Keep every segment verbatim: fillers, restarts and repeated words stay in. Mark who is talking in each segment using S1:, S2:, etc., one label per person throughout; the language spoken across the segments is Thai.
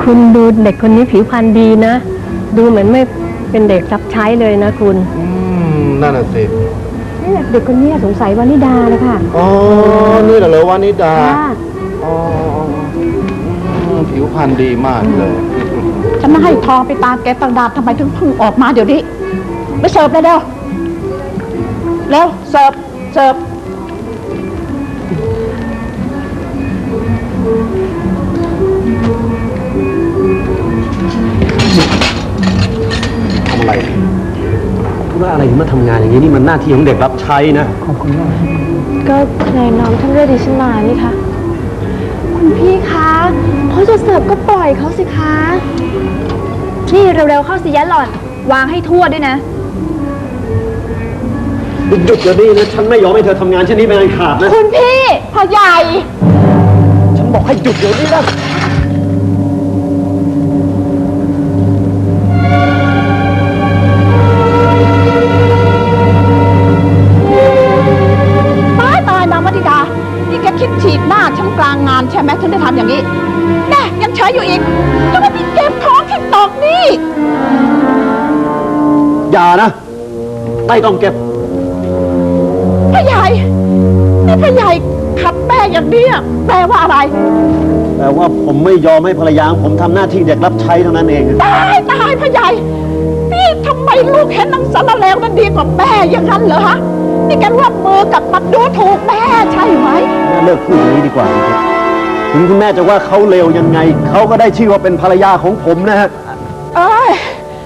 S1: คุณดูเด็กคนนี้ผิวพรรณดีนะดูเหมือนไม่เป็นเด็กรับใช้เลยนะคุณ
S2: อืมนั่นน่ะสิ
S3: นี่เด็กคนนี้สงสัยวานิดาเลยค่ะ
S2: อ๋อนี่เหรอวานิดาอ๋อผิวพรรณดีมากเลย
S3: ฉันมาให้ทองไปตามแกตังดาทำไมถึงเพิ่งออกมาเดี๋ยวนี้ไปเสิร์ฟเลยเร็วเร็วเสิร์ฟเสิร์ฟ
S2: ทำอะไร
S4: ว่าอะไรถึงมาทำงานอย่างนี้นี่มันหน้าที่ของเด็กรับใช้นะ
S1: ขอบคุณมาก
S5: ก็นายน้องท่านเรียกดิฉันมานี่คะคุณพี่คะเขาจะเสิร์ฟก็ปล่อยเขาสิคะนี่เร็วๆเข้าสิยะหล่อนวางให้ทั่วด้วยนะ
S4: หยุดเดี๋ยวนี้นะฉันไม่ยอมให้เธอทำงานเช่นนี้เป็นอันขาดนะ
S5: คุณพี่พ่อใหญ่
S4: ฉันบอกให้หยุดเดี๋ยวนี้นะ
S3: ตายตายนางวนิดานี่แกคิดฉีกหน้าฉันกลางงานใช่ไหมถึงได้ทำอย่างนี้แน่ยังเฉยอยู่อีกจะไม่มีเก็บของที่ตกนี่
S4: อย่านะไม่ต้องเก็บ
S3: พ่อใหญ่นี่พ่อใหญ่ขับแม่อย่างนี้แปลว่าอะไร
S4: แปลว่าผมไม่ยอมให้ภรรยาผมทำหน้าที่เด็กรับใช้เท่านั้นเอง
S3: ตายตายพ่อใหญ่นี่ทำไมลูกเห็นนางสารเลวนั้นดีกว่าแม่อย่างนั้นเหรอฮะนี่แกร่วมมือกับมันดูถูกแม่ใช่ไหม
S4: แม่เลิกพูดอย่างนี้ดีกว่าครับถึงคุณแม่จะว่าเขาเลวยังไงเขาก็ได้ชื่อว่าเป็นภรรยาของผมนะฮะ
S3: เอ้ย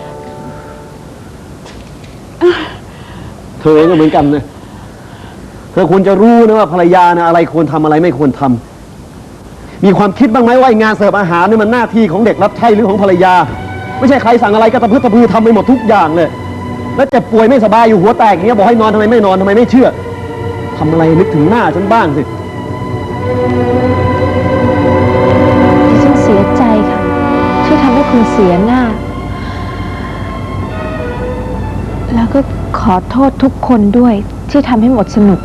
S4: เธอเองก็เหมือนกันนะเธอควรจะรู้นะว่าภรรยานะอะไรควรทำอะไรไม่ควรทำมีความคิดบ้างไหมว่างานเสิร์ฟอาหารนี่มันหน้าที่ของเด็กรับใช้หรือของภรรยาไม่ใช่ใครสั่งอะไรก็ตะพื้นตะพือทำไปหมดทุกอย่างเลยแล้วเจ็บป่วยไม่สบายอยู่หัวแตกอย่างเงี้ยบอกให้นอนทำไมไม่นอนทำไมไม่เชื่อทำอะไรนึกถึงหน้าฉันบ้างสิ
S5: ดิฉันเสียใจค่ะที่ทำให้คุณเสียหน้าแล้วก็ขอโทษทุกคนด้วยที่ทำให้หมดสนุก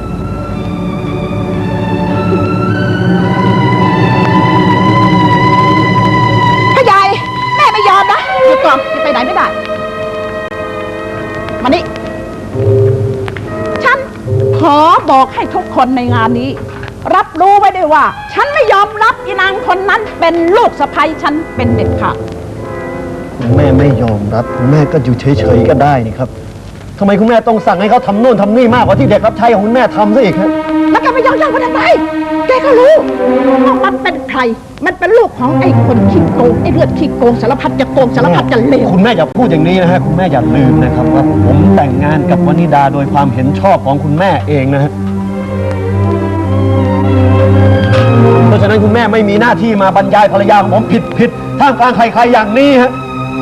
S3: พ่อใหญ่แม่ไม่ยอมนะหยุดก่อนจะไปไหนไม่ได้มานี่ฉันขอบอกให้ทุกคนในงานนี้รับรู้ไว้ด้วยว่าฉันไม่ยอมรับอีนางคนนั้นเป็นลูกสะใภ้ฉันเป็นเด็ดขาด
S4: คุณแม่ไม่ยอมรับคุณแม่ก็อยู่เฉยๆก็ได้นี่ครับทำไมคุณแม่ต้องสั่งให้เขาทำโน่นทำนี่มากกว่าที่เด็กรับใช้ของคุณแม่ทำซะอีกครับ
S3: แล้วแกไม่ยอมรับมันทำไมแกก็รู้ว่ามันเป็นใครมันเป็นลูกของไอ้คนขี้โกงไอ้เลือดขี้โกงสารพัดจะโกงสารพัดจะเลว
S4: คุณแม่อย่าพูดอย่างนี้นะฮะคุณแม่อย่าลืมนะครับว่าผมแต่งงานกับวนิดาโดยความเห็นชอบของคุณแม่เองนะฮะเพราะฉะนั้นคุณแม่ไม่มีหน้าที่มาบรรยายภรรยาของผมผิดผิดท่ามกลางใครๆอย่างนี้ฮะ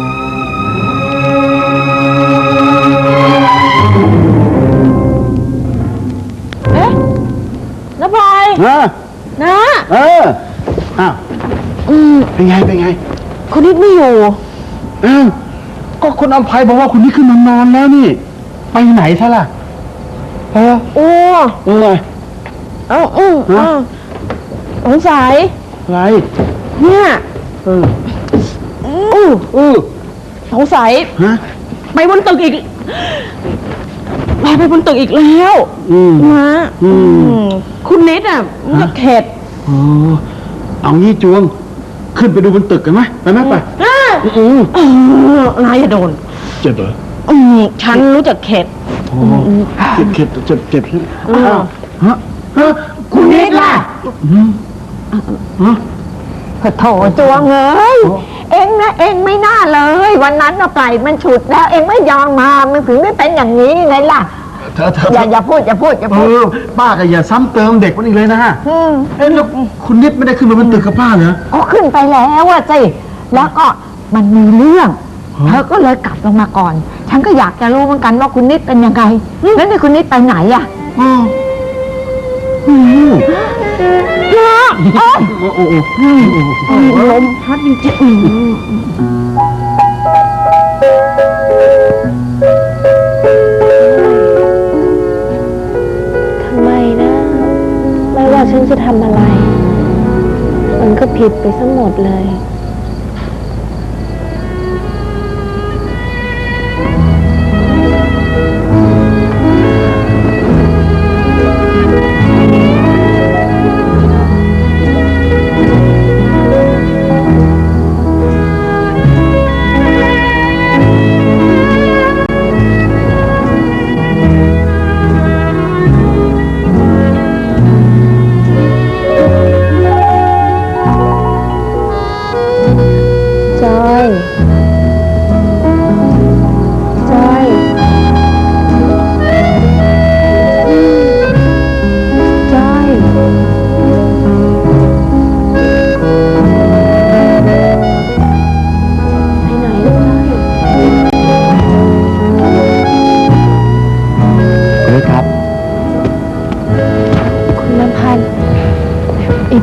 S5: เอ๊ะน้าพลอย
S4: นะ
S5: นะ
S4: เอออ้าว
S5: อืม
S4: เป็นไงเป็นไง
S5: คุณนิดไม่อยู่
S4: อ้าวก็คุณอภัยบอกว่าคุณนิดขึ้นมานอนแล้วนี่ไปไหนซะล่ะเออ
S5: โอ้
S4: เออ
S5: เอ้าอืมอ้าวสงสัย
S4: อะไร
S5: เนี่ย
S4: เออ
S5: อือ
S4: เออ
S5: สงสัย
S4: ฮะ
S5: ไปบนตึกอีกไปไปบนตึกอีกแล้วนะคุณนิดอ่ะมันจะเข็ด
S4: อ๋อเอางี้จวงขึ้นไปดูบนตึกกันไหมไปไหมไป
S5: อือนายอย่าโดน
S4: เจ็บเหรอ
S5: อืมฉันรู้จักเข็ด
S4: เจ็บเข็ดเจ็บเจ็บใช่ไหมฮะฮะ
S5: คุณนิดล่ะ
S4: ฮะ
S5: โถจวงเอ้ยเอ็งนะเอ็งไม่น่าเลยวันนั้นเราปล่อยมันฉุดแล้วเอ็งไม่ยอมมามันถึงได้เป็นอย่างนี้ไงล่ะอย่าอย่าพูดอย่าพูดอย่าพูด
S4: ป้าก็อย่าซ้ำเติมเด็กมันอีกเลยนะฮะเอ๊ะแล้วคุณนิดไม่ได้ขึ้นมาบนตึกกับป้าเหรอ
S5: อ๋อขึ้นไปแล้วอะสิแล้วก็มันมีเรื่องเธอก็เลยกลับลงมาก่อนฉันก็อยากจะรู้เหมือนกันว่าคุณนิดเป็นยังไงแล้วนี่คุณนิดไปไหนอะ
S4: อ๋อ
S5: โอ้
S4: โอ้โอ้
S5: ลมพัดจริงทำไมนะไม่ว่าฉันจะทำอะไรมันก็ผิดไปซะหมดเลย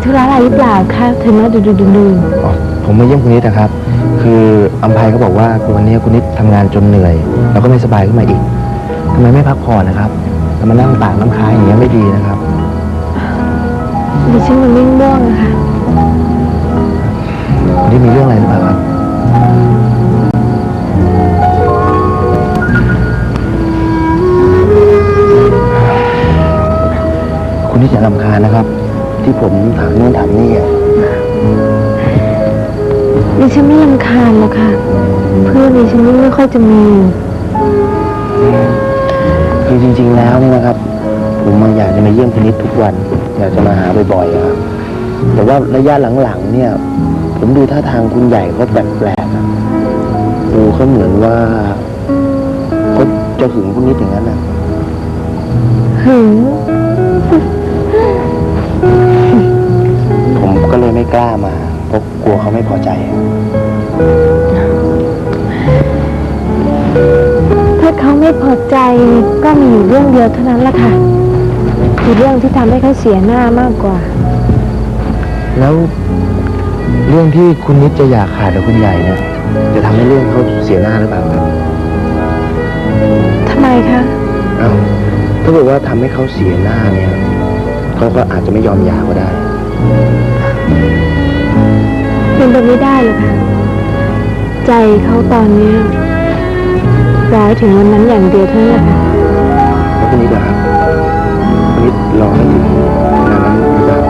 S5: ธุระอะไรหรือเปล่าคะถึงมาดูดูดูดู
S6: อ๋อผมมาเยี่ยมคุณนิดนะครับ คืออัมภัยเขาบอกว่าวันนี้คุณนิดทำงานจนเหนื่อย แล้วก็ไม่สบายขึ้นมาอีกทำไมไม่พักผ่อนนะครับจะมานั่งตากน้ำค้างอย่างเงี้ยไม่ดีนะครับ
S5: ดิฉันมันยิ่งง่วงอะค่ะ
S6: คุณนิดมีเรื่องอะไรหรือเปล่าครับคุณนิดอย่ารำคาญนะครับ ที่ผมถามนู่นถามนี่อ่ะ
S5: ดิฉันไม่รำคาญหรอกค่ะ เพื่อนดิฉันไม่ค่อยจะมี
S6: คือจริงๆแล้วเนี่ยนะครับ ผมมาอยากจะมาเยี่ยมคุณนิดทุกวัน อยากจะมาหาบ่อยๆอะครับ แต่ว่าระยะหลังๆเนี่ย ผมดูท่าทางคุณใหญ่เขาแปลกๆอะดูเขาเหมือนว่าเขาจะหึงคุณนิดอย่างนั้นนะ
S5: หึง
S6: ผมก็เลยไม่กล้ามาเพราะกลัวเขาไม่พอใจ
S5: ถ้าเขาไม่พอใจก็มีอยู่เรื่องเดียวเท่านั้นแหละค่ะคือเรื่องที่ทำให้เขาเสียหน้ามากกว่า
S6: แล้วเรื่องที่คุณนิดจะอยากขาดกับคุณใหญ่เนี่ย จะทำให้เรื่องเขาเสียหน้าหรือเปล่าครับ
S5: ทำไมคะ
S6: อ้าวถ้าเกิดว่าทำให้เขาเสียหน้าเนี่ยเขาก็อาจจะไม่ยอมหย่าก็ได้
S5: เป็นไปไม่ได้หรอกค่ะ ใจเขาตอนเนี้ยรอให้ถึงวันนั้นอย่างเดียวเท่านั้นแหละค่ะ
S6: แล้วคุณนิดล่ะครับคุณนิดรอให้ถึงขนาดนั้นหรือเปล่า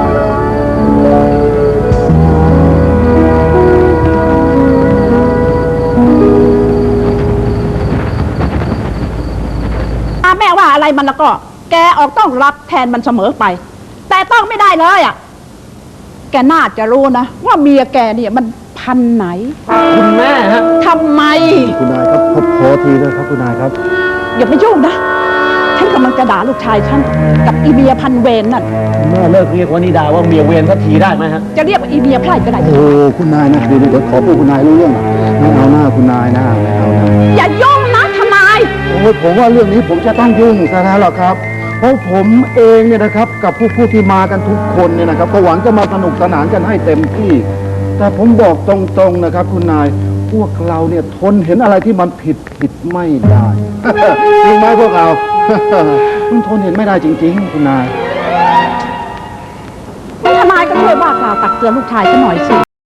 S3: ถ้าแม่ว่าอะไรมันแล้วก็ แกออกต้องรับแทนมันเสมอไป แต่ต้องไม่ได้เลยอ่ะ แกน่าจะรู้นะว่าเมียแกเนี่ยมันพันไหน
S4: คุณแม่ฮะ
S3: ทำไม
S4: คุณนายครับพบโพทีนะครับคุณนายครับ
S3: อย่าไปยุ่งนะ ฉันกำลังจะด่าลูกชายฉันกับอีเมียพันเวรนั่น
S4: คุณแม่เลิกเรียกว่านิดาว่าเมียเวรสักทีได้ไหมฮะ
S3: จะเรียกว่าอีเมียไพร่ก็ได้
S7: โอ้คุณนายนะเดี๋ยวเดี๋ยวขอพูดคุณนายรู้เรื่องไม่เอาหน้าคุณนายนะไม่เอานะ
S3: อย่ายุ่งนะทนาย
S7: โอ้ยผมว่าเรื่องนี้ผมจะต้องยุ่งซะแล้วล่ะครับ เพราะผมเองเนี่ยนะครับกับผู้ผู้ที่มากันทุกคนเนี่ยนะครับก็หวังจะมาสนุกสนานกันให้เต็มที่ แต่ผมบอกตรงๆนะครับ คุณนายพวกเราเนี่ยทนเห็นอะไรที่มันผิดผิดไม่ได้ จริงไหมพวกเรา มันทนเห็นไม่ได้จริง ๆ คุณนาย
S3: ทนายก็ช่วยว่ากล่าวตักเตือนลูกชายฉันหน่อยสิ